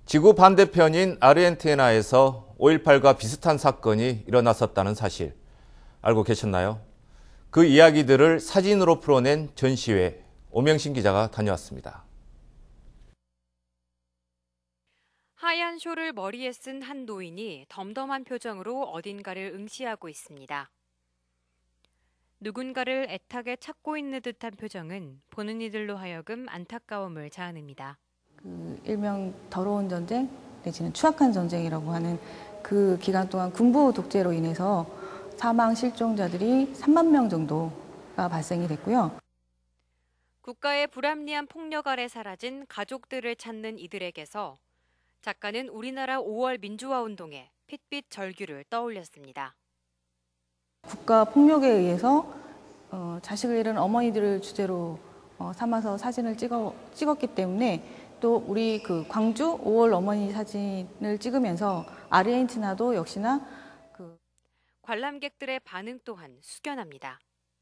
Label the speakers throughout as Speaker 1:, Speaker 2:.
Speaker 1: 지구 반대편인 아르헨티나에서 5.18과 비슷한 사건이 일어났었다는 사실 알고 계셨나요? 그 이야기들을 사진으로 풀어낸 전시회, 오명신 기자가 다녀왔습니다.
Speaker 2: 하얀 쇼를 머리에 쓴 한 노인이 덤덤한 표정으로 어딘가를 응시하고 있습니다. 누군가를 애타게 찾고 있는 듯한 표정은 보는 이들로 하여금 안타까움을 자아냅니다.
Speaker 3: 일명 더러운 전쟁 내지는 추악한 전쟁이라고 하는 그 기간 동안 군부 독재로 인해서 사망 실종자들이 3만 명 정도가 발생이 됐고요.
Speaker 2: 국가의 불합리한 폭력 아래 사라진 가족들을 찾는 이들에게서 작가는 우리나라 5월 민주화 운동의 핏빛 절규를 떠올렸습니다.
Speaker 3: 국가 폭력에 의해서 자식을 잃은 어머니들을 주제로 삼아서 사진을 찍었기 때문에 또 우리 그 광주 5월 어머니 사진을 찍으면서 아르헨티나도 역시나
Speaker 2: 관람객들의 반응 또한 숙연합니다.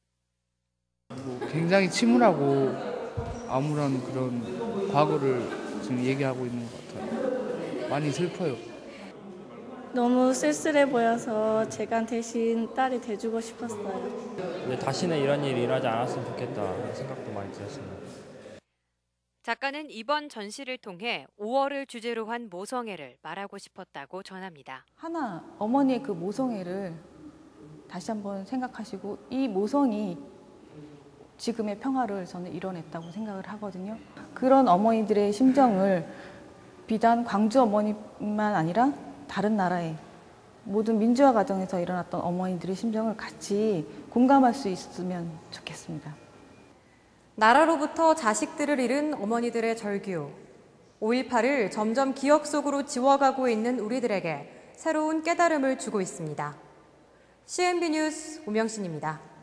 Speaker 4: 굉장히 침울하고 암울한 그런 과거를 지금 얘기하고 있는 것 같아요. 많이 슬퍼요.
Speaker 5: 너무 쓸쓸해 보여서 제가 대신 딸이 돼주고 싶었어요.
Speaker 6: 다시는 이런 일이 일어나지 않았으면 좋겠다 생각도 많이 들었습니다.
Speaker 2: 작가는 이번 전시를 통해 5월을 주제로 한 모성애를 말하고 싶었다고 전합니다.
Speaker 3: 하나 어머니의 그 모성애를 다시 한번 생각하시고 이 모성이 지금의 평화를 저는 이뤄냈다고 생각을 하거든요. 그런 어머니들의 심정을 비단 광주 어머니만 아니라 다른 나라의 모든 민주화 과정에서 일어났던 어머니들의 심정을 같이 공감할 수 있으면 좋겠습니다.
Speaker 7: 나라로부터 자식들을 잃은 어머니들의 절규. 5.18을 점점 기억 속으로 지워가고 있는 우리들에게 새로운 깨달음을 주고 있습니다. CNB 뉴스 오명신입니다.